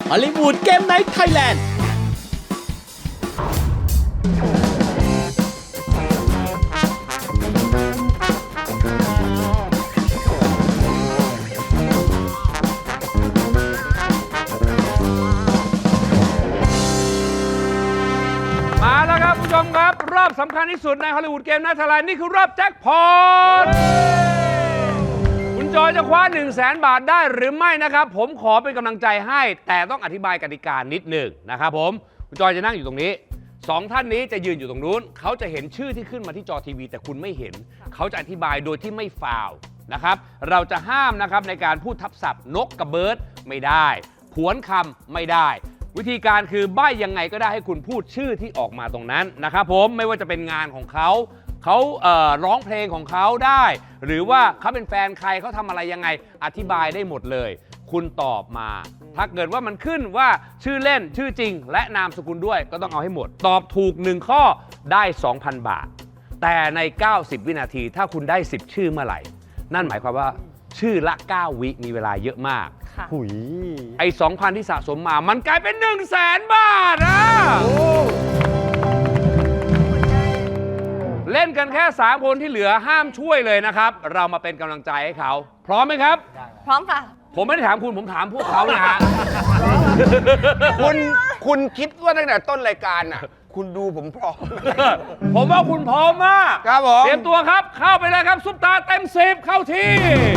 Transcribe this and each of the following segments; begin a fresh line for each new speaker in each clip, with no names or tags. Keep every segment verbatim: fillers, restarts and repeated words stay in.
ฮอลลีวูดเกมไนท์ไทยแลนด์
มาแล้วครับผู้ชมครับรอบสำคัญที่สุดในฮอลลีวูดเกมไนท์ไทยแลนด์นี่คือรอบแจ็คพอตคุณจอยจะคว้า หนึ่งแสน บาทได้หรือไม่นะครับผมขอเป็นกำลังใจให้แต่ต้องอธิบายกติกานิดหนึ่งนะครับผมคุณจอยจะนั่งอยู่ตรงนี้สองท่านนี้จะยืนอยู่ตรงนู้นเขาจะเห็นชื่อที่ขึ้นมาที่จอทีวีแต่คุณไม่เห็นเขาจะอธิบายโดยที่ไม่ฟาวล์นะครับเราจะห้ามนะครับในการพูดทับศัพท์นกกับเบิร์ดไม่ได้ผวนคำไม่ได้วิธีการคือใบ้ยังไงก็ได้ให้คุณพูดชื่อที่ออกมาตรงนั้นนะครับผมไม่ว่าจะเป็นงานของเขาเขาเอ่อร้องเพลงของเขาได้หรือว่าเขาเป็นแฟนใครเขาทำอะไรยังไงอธิบายได้หมดเลยคุณตอบมาถ้าเกิดว่ามันขึ้นว่าชื่อเล่นชื่อจริงและนามสกุลด้วยก็ต้องเอาให้หมดตอบถูกหนึ่งข้อได้ สองพัน บาทแต่ในเก้าสิบวินาทีถ้าคุณได้สิบชื่อเมื่อไหร่นั่นหมายความว่าชื่อละเก้าวิมีเวลาเยอะมากหุยไอ้ สองพัน ที่สะสมมามันกลายเป็น หนึ่งแสน บาทอ่ะเล่นกันแค่สามคนที่เหลือห้ามช่วยเลยนะครับเรามาเป็นกำลังใจให้เขาพร้อมไหมครับ
พร้อมค่ะ
ผมไม่ได้ถามคุณผมถามพวกเขานะฮะ
คุณคุณคิดว่าตั้งแต่ต้นรายการน่ะคุณดูผมพร้อม
ผมว่าคุณพร้อมมาก
ครับผม
เตรียมตัวครับเข้าไปเลยครับซุปตาเต็มสิบเข้าที่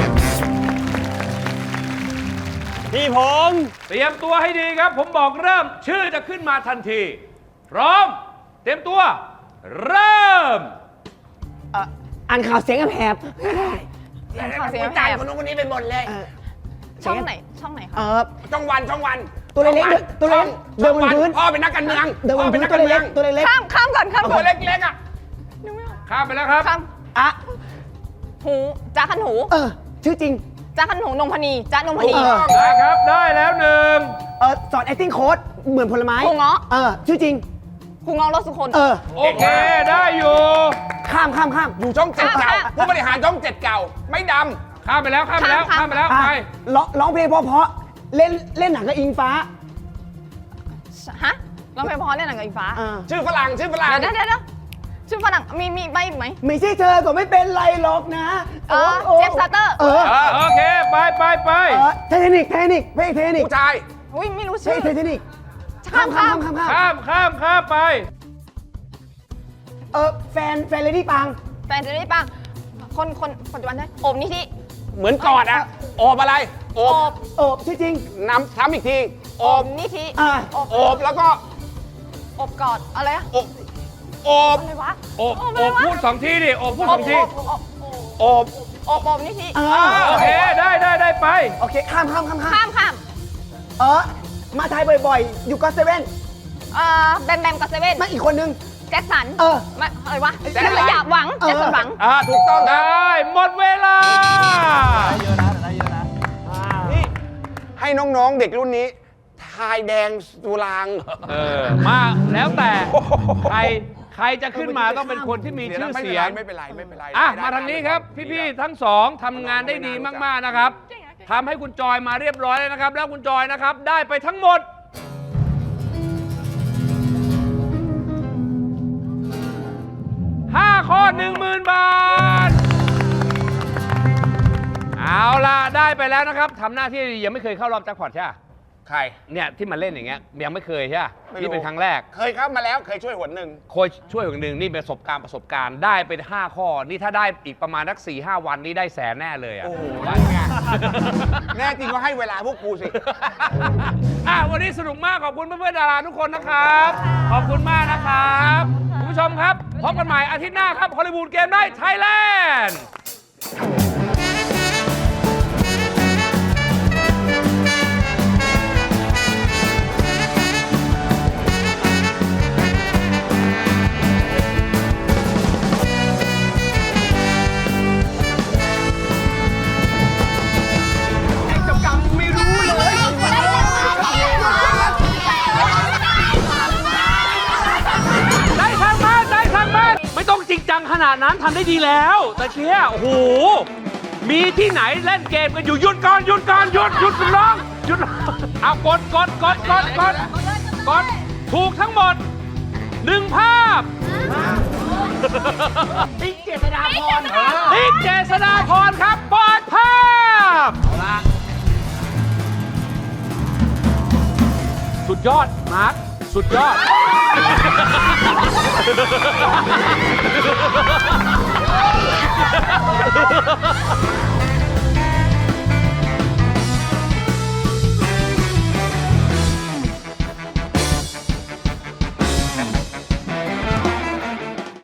พี่ผม
เตรียมตัวให้ดีครับผมบอกเริ่มชื่อจะขึ้นมาทันทีพร้อมเตรียมตัวเริ่ม
อ่านข่าวเสียงแหบ
เสียงข่าวเสียง
วิ
แห
จารณ์
บ
คนนู้นคนนี้ไปหมดเลย
ช่องไหนช่องไหนคะ
เออ
ช่องวันช่องวัน
ตัวเล็กๆ
ช่อง
ตัวเล็ก
ช่อง
เดินบนพื้น
พ่อเป็นนักการเมือง
เดินบ
พ่อน เป็
พื้
น
น
นัก
ตั
กาว รเมื
เล็
อง
กๆตัวเล็ก
ข้ามข้ามก่อนข้ามก่
ตั
อ
วน เล็กๆอ่ะ
ข้ามไปแล้วครับ
ข้าม
ๆอ่ะ
หูจ้าขันหู
เออชื่อจริง
จ้าขันหูนงพนีจ้านงพนี
เออ
ได้ครับได้แล้วหนึ่ง
เออสอน acting coach เหมือนผลไม้
ครูเงาะ
เออชื่อจริง
ครูเงาะรถสุคน
เออ
โอเคได้อยู่
ข้ามข้ามข้าม
อยู่ช่องเจ็ดเก่า
ข้าม
ผู้บริหารช่องเจ็ดเก่าไม่ด
ข้ามไปแล้วข้ามไปแล้ว
ข้าม
ข้ามไปแล้ว
อ่ะ
ไป
ร้องร้องเพลงเพราะๆเล่นเล่นหนังกับอิงฟ้า
ฮะร้องเพลงเพราะเล่นหนังกับอีฟ้า
อ่า
ำชื่อฝรั่งชื่อฝรั่ง
เดี๋ยวเดี๋ยวเดี๋ยวชื่อฝรั่งมีมีใบอีกไหม
ไม่ใช่เธอก็ไม่เป็นไรหรอกนะ
เออ
โอ้
เจฟซาเตอร์
เออ
โอเคไปไปไป
เออเทคนิคเทคนิคเพลงเทคนิค
ผู้ชาย
อุ้ยไม่รู้
เพล
ชื่
ง
อ
เทคนิค
ข้ามข้าม
ข้ามข้าม
ข้ามข้ามข้ามไป
เออแฟนแฟนเลดี้ปัง
แฟนจะได้ปังคนคนปัจจุบันได้โอมนิธิ
เหมือนกอดอ่ะโอบอะไรโอ
โอ
บบ
โอ้ชื่อจริง
น้ำซ้ำอีกทีโอ
โอบ มนิธิ
อ่า
โอบ
โอบแล้วก็
โอบกอดอะไรอะ
โอบโอบ
อะไรวะ
โอบ
โอบ
โอบพูดสองทีดิโอบพูด
โอ
ส
บ
องที
โอบโอบ
โอบ
โอบนิธิ
อ่า
โอเคได้ได้ได้ไป
โอเคข้ามข้ามข้ามข้าม
ข้ามข้าม
เออมาไทยบ่อยๆ อยู่ก็เซเว่น
เอ่อแบมแบมกับเซเว่น
มาอีกคนนึง
แจ็คสัน
เออ
ไม่อะไรวะแจ็คสันอยากหวัง
เออ
แจ็คสันหวัง
อ่าถูกต้องครับ
ได้หมดเวลา
นี่ให้น้องๆเด็กรุ่นนี้ทายแดงสุราง
เออมาแล้วแต่ใครใครจะขึ้นมาต้องเป็นคนที่มีชื่อเสียง
ไม่เป็นไรไม่เป็นไร
อ่ะ
ไม่เป็นไร
มาทางนี้ครับ พี่ๆทั้งสองทำงานได้ดีมากๆนะครับทำให้คุณจอยมาเรียบร้อยแล้วนะครับ แล้วคุณจอยนะครับได้ไปทั้งหมดห้าข้อ หนึ่งหมื่น บาท เอาล่ะได้ไปแล้วนะครับทำหน้าที่ดียังไม่เคยเข้ารอบแจ็คพอตใช่ไหม
ใคร
เนี่ยที่มาเล่นอย่างเงี้ยยังไม่เคยใช่ไหม
ไม่รู้
นี่เป็นครั้งแรก
เคยครับมาแล้วเคยช่วยหนหนึ่ง
โค้ชช่วยอย่างหนึ่งนี่เป็นประสบการณ์ประสบการณ์ได้ไปห้าข้อ นี่ถ้าได้อีกประมาณสักสี่ห้าวันนี่ได้แสนแน่เลยอ่ะ
โอ้โหนั่นไง แน่จริงก็ให้เวลาพวกกูสิ
อ่ะวันนี้สนุกมากขอบคุณเพื่อนๆดาราทุกคนนะครับ ขอบคุณมากนะครับคุณผู้ชมครับพบกันใหม่อาทิตย์หน้าครับฮอลลีวูดเกมไนท์ไทยแลนด์ได้ทางบ้านได้ทางบ้านไม่ต้องจริงจังขนาดนั้นทำได้ดีแล้วแต่เชี่ยโอ้โหมีที่ไหนเล่นเกมกันอยู่หยุดก่อนหยุดก่อนหยุดหยุดร้องยุดเอากดกดกดกดกดกดถูกทั้งหมดหนึ่งภาพ
ติ๊กเจษฎาพร
ติ๊กเจษฎาพรครับเปิดภาพสุดยอด มาร์ค สุดยอด